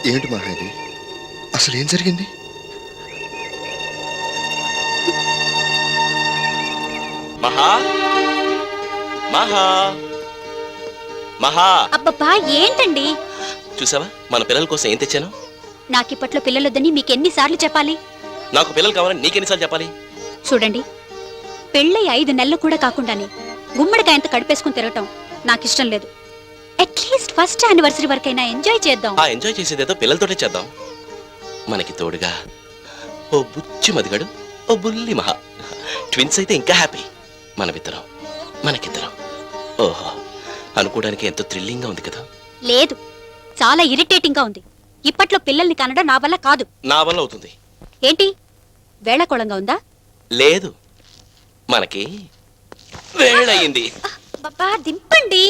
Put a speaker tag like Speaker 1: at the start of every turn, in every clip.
Speaker 1: ఏంటి మహా ఇది? అసలు ఏం జరిగింది?
Speaker 2: మహా మహా మహా
Speaker 3: అబ్బబ్బా ఏంటండి?
Speaker 2: చూసావా మన పిల్లల కోసం ఏం తెచ్చాను?
Speaker 3: నాకిప్పట్లో పిల్లలొద్దని మీకెన్నిసార్లు చెప్పాలి?
Speaker 2: నాకు పిల్లలు కావాలని నీకెన్నిసార్లు చెప్పాలి?
Speaker 3: చూడండి, పెళ్ళై 5 నెలలు కూడా కాకుండానే గుమ్మడికాయంత కడిపేసుకుని తిరగటం నాకిష్టం లేదు. అట్లీస్ట్ ఫస్ట్ యానివర్సరీ వరకైనా ఎంజాయ్ చేద్దాం.
Speaker 2: ఆ ఎంజాయ్ చేసేదేదో పిల్లలతోటే చేద్దాం. మనకి తోడుగా ఓ బుచ్చి మదిగాడు, ఓ బుల్లి మహా. ట్విన్స్ అయితే ఇంకా హ్యాపీ. మనకిద్దరం. ఓహో, అనుకోవడానికి ఎంతో థ్రిల్లింగ్ గా ఉంది కదా?
Speaker 3: లేదు, చాలా ఇరిటేటింగ్ గా ఉంది. ఇప్పట్లో పిల్లల్ని కనడం నా వల్ల కాదు.
Speaker 2: నా వల్ల అవుతుంది.
Speaker 3: ఏంటి వేళకోళంగా ఉందా?
Speaker 2: లేదు, మనకి వేళయింది.
Speaker 3: బాబా దింపండి.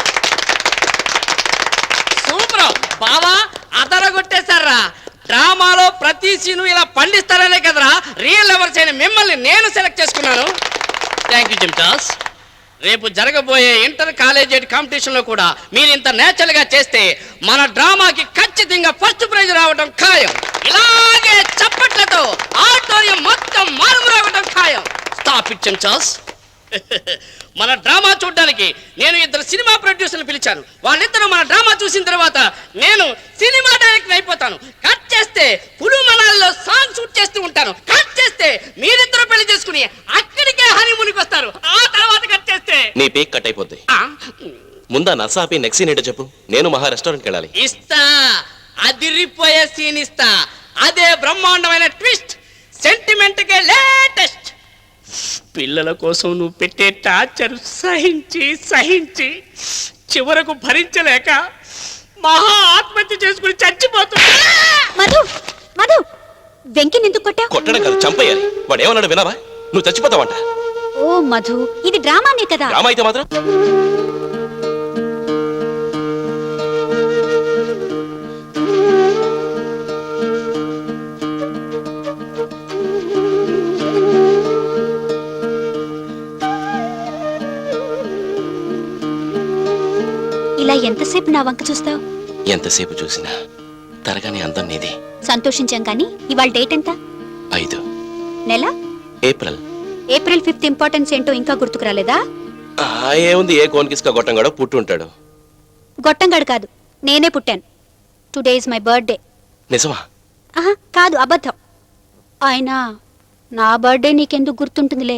Speaker 4: సూపర్ బావా, అదరగొట్టేశారా. డ్రామాలో ప్రతి సీను ఇలా పండిస్తారనే కదరా రియల్ లవర్స్ అయిన మిమ్మల్ని నేను సెలెక్ట్ చేసుకున్నాను. థ్యాంక్ యూ జిమ్టాస్. రేపు జరగబోయే ఇంటర్ కాలేజియేట్ కాంపిటీషన్ లో కూడా మీరు ఇంత నేచురల్ గా చేస్తే మన డ్రామాకి ఖచ్చితంగా ఫస్ట్ ప్రైజ్ రావడం ఖాయం. ఇలాగే చప్పట్లతో ఆడిటోరియం మొత్తం మారుమోగడం ఖాయం. స్టాప్ ఇట్ జిమ్టాస్. మన డ్రామా చూడడానికి నేను 2 సినిమా ప్రొడ్యూసర్లు పిలిచాను. వాళ్ళిద్దరూ మన డ్రామా చూసిన తర్వాత నేను సినిమా డైరెక్టర్ అయిపోతాను. కట్ చేస్తే పులు మనాల్లో సాంగ్ షూట్ చేస్తూ ఉంటాను. కట్ చేస్తే మీరిద్దరు పెళ్లి చేసుకుని అక్కడికే హనీమూన్కి వస్తారు. ఆ తర్వాత కట్ చేస్తే
Speaker 2: నీ పీక్ కట్ అయిపోద్ది. ముందా నసాపి నెక్స్ట్ సీన్ ఏంటో చెప్పు. నేను మహా రెస్టారెంట్కి వెళ్ళాలి.
Speaker 4: ఇస్తా, అదిరిపోయే సీన్ ఇస్తా. అదే బ్రహ్మాండమైన ట్విస్ట్, సెంటిమెంట్ కే లేటెస్ట్. పిల్లల కోసం నువ్వు పెట్టే టార్చర్ సహించి చివరకు భరించలేక మహా ఆత్మహత్య చేసుకుని చచ్చిపోతున్నా.
Speaker 3: మధు మధు వెంకిని ఎందుకు కొట్టా?
Speaker 2: కొట్టడం కాదు, చంపేయాలి. వాడు ఏమన్నాడు వినావా? నువ్వు చచ్చిపోతావంట.
Speaker 3: ఓ మధు, ఇది డ్రామానే కదా.
Speaker 2: డ్రామా అయితే మాత్రం
Speaker 3: ఇలా ఎంతసేపు నా వంక చూస్తావు?
Speaker 2: ఎంతసేపు చూసినా తరగానే అందం నీది.
Speaker 3: సంతోషించాం కానీ ఇవాళ డేట్ ఎంత?
Speaker 2: 5
Speaker 3: నెల
Speaker 2: ఏప్రిల్.
Speaker 3: ఏప్రిల్ 5th ఇంపార్టెన్స్ ఏంటో ఇంకా గుర్తుకు రాలేదా?
Speaker 2: ఏముంది, ఏ కోన్కిస్కా గొట్టంగాడో పుట్టి ఉంటాడు.
Speaker 3: గొట్టంగాడు కాదు, నేనే పుట్టాను. Today is my birthday.
Speaker 2: నిజమా?
Speaker 3: కాదు, అబద్ధం. అయినా నా బర్త్డే నీకెందుకు గుర్తుంటుందిలే.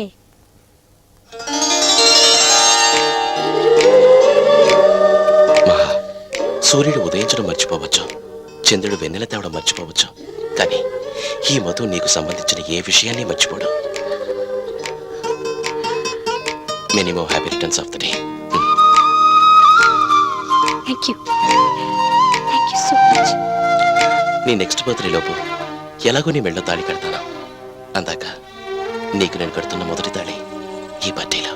Speaker 2: మహా, సూర్యుడు ఉదయించడం మర్చిపోవచ్చు, చంద్రుడు వెన్నెల తేవడం మర్చిపోవచ్చు, కానీ ఈ మధు నీకు సంబంధించిన ఏ విషయాన్ని మర్చిపోడు. Minimum happy returns of the day.
Speaker 3: Thank you so much.
Speaker 2: నీ నెక్స్ట్ బర్త్డే లోపు ఎలాగో నీ మెళ్ళో తాళి కడతాను. అందాక నీకు నేను కడుతున్న మొదటి తాళి ఈ బర్త్డేలో.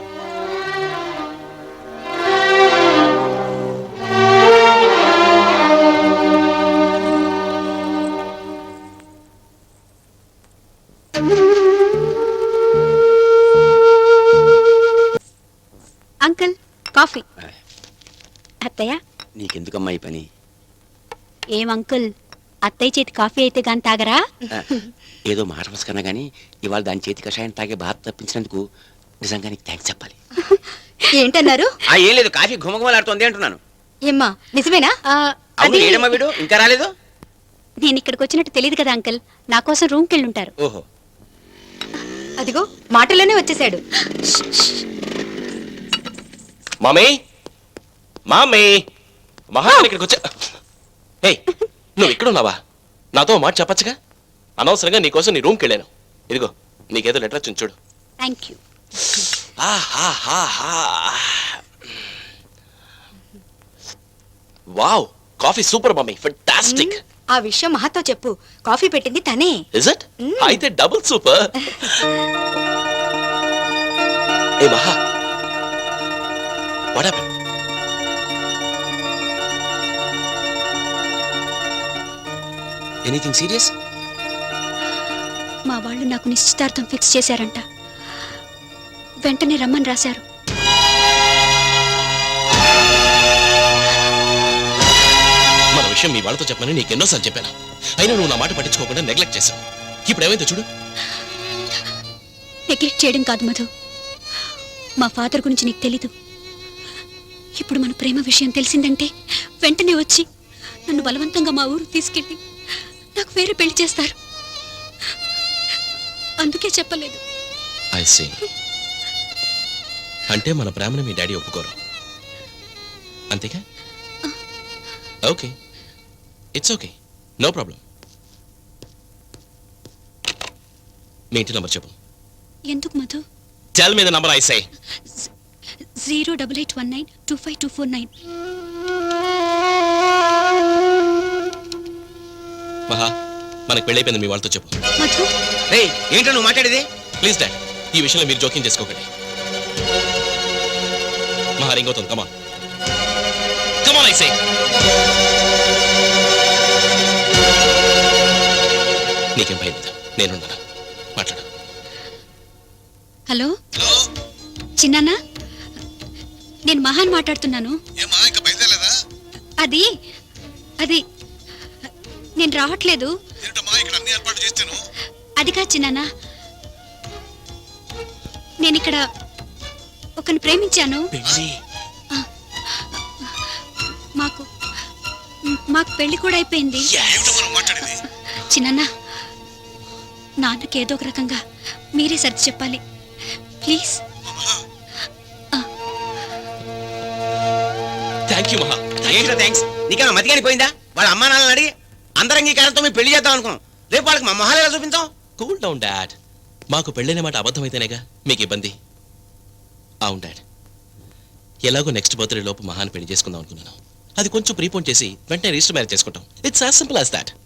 Speaker 3: Uncle, coffee. అత్తయ్య,
Speaker 5: నీకెందుకమ్మా ఈ పని?
Speaker 3: ఏం అంకుల్, అత్తయ్య చేతి కాఫీ అయితే గాని తాగరా?
Speaker 5: ఏదో మాట వసుకన్నా గానీ ఇవాళ దాని చేతి కషాయం తాగే బాధ తప్పించినందుకు నిజంగా నీకు థ్యాంక్స్ చెప్పాలి.
Speaker 3: ఏంటన్నారు?
Speaker 5: ఏం లేదు, కాఫీ ఘుమఘుమలాడుతోంది అంటున్నాను.
Speaker 3: ఏమ్మా నిజమేనా?
Speaker 5: అవును, ఏడమ్మా వీడు ఇంకా రాలేదు?
Speaker 3: నేను ఇక్కడికి వచ్చినట్టు తెలియదు కదా అంకుల్, నా కోసం రూమ్కి వెళ్ళుంటారు.
Speaker 5: ఓహో,
Speaker 3: అదిగో మాటలోనే వచ్చేసాడు.
Speaker 2: మామీ, మామీ, మహా ఇక్కడికి వచ్చా. హే, నువ్వు ఇక్కడ ఉన్నావా? నాతో మాట చెప్పచ్చుగా. అనవసరంగా నీకోసం నీ రూమ్కి వెళ్ళాను. ఇదిగో నీకేదో లెటర్ వచ్చింది చూడు.
Speaker 3: Thank you.
Speaker 2: Wow, coffee super mummy, fantastic.
Speaker 6: ఆ విషయం మహాతో చెప్పు, కాఫీ పెట్టింది తనే.
Speaker 2: Is it? అయితే డబుల్ సూపర్. ఏ Maha, what happened?
Speaker 5: Anything serious?
Speaker 3: మా వాళ్ళు నాకు నిశ్చితార్థం ఫిక్స్ చేశారంట. వెంటనే రమ్మని రాశారు.
Speaker 2: మనం విషయం మీ వాళ్ళతో చెప్పమని నీకు ఎన్నోసార్లు చెప్పాను. అయినా నువ్వు నా మాట పట్టించుకోకుండా నెగ్లెక్ట్ చేశావు. ఇప్పుడు ఏమైందో చూడు.
Speaker 3: నెగ్లెక్ట్ చేయడం కాదు మధు, మా ఫాదర్ గురించి నీకు తెలీదు. ఇప్పుడు మన ప్రేమ విషయం తెలిసిందంటే వెంటనే వచ్చి నన్ను బలవంతంగా మా ఊరు తీసుకెళ్ళి నాకు వేరే పెళ్లి చేస్తారు. అందుకే చెప్పలేదు.
Speaker 2: I see. అంటే మన ప్రేమను మీ డాడీ ఒప్పుకోరు అంతేగా? Okay, it's okay, no problem. మీ ఇంటి నంబర్ చెప్పు.
Speaker 3: ఎందుకు Madhu?
Speaker 2: Tell me the number I say.
Speaker 3: 08819252449.
Speaker 2: Maha, మనకు పెళ్ళైపోయింది మీ వాళ్ళతో చెప్పు.
Speaker 3: మధు,
Speaker 5: రే ఏంటో నువ్వు మాట్లాడేది?
Speaker 2: ప్లీజ్ డాడ్, ఈ విషయంలో మీరు జోక్యం చేసుకోకండి. మహా రింగ్ అవుతుంది. Come on come on I say. నీకేం భయం లేదు, నేనున్నాను. మాట్లాడు.
Speaker 3: హలో చిన్నానా, నేను మహాన్ మాట్లాడుతున్నాను. అది అది నేను రావట్లేదు. అది కాదు చిన్నానా, నేను ఇక్కడ ఒకరిని ప్రేమించాను. మాకు మాకు పెళ్లి కూడా అయిపోయింది. చిన్నానా, నాన్నకి ఏదో ఒక రకంగా మీరే సర్ది చెప్పాలి ప్లీజ్.
Speaker 2: థ్యాంక్ యూ మహా.
Speaker 5: ఏంటో థ్యాంక్స్? నీకేమో మతిగాని పోయిందా? వాళ్ళ అమ్మా నాన్నని అడిగి అందరి అంగీకారంతో మీ పెళ్లి చేద్దాం అనుకున్నాం. రేపు వాళ్ళకి మా మొహాలు ఎలా చూపించాం?
Speaker 2: Cool down dad. మాకు పెళ్ళైన మాట అబద్ధమైతేనేగా మీకు ఇబ్బంది. అవును డాడ్, ఎలాగో నెక్స్ట్ బర్త్డే లోపు మహాన్ పెళ్లి చేసుకుందాం అనుకున్నాను. అది కొంచెం ప్రీపోన్ చేసి వెంటనే రిజిస్టర్ మ్యారేజ్ చేసుకుంటాం. It's as simple as that.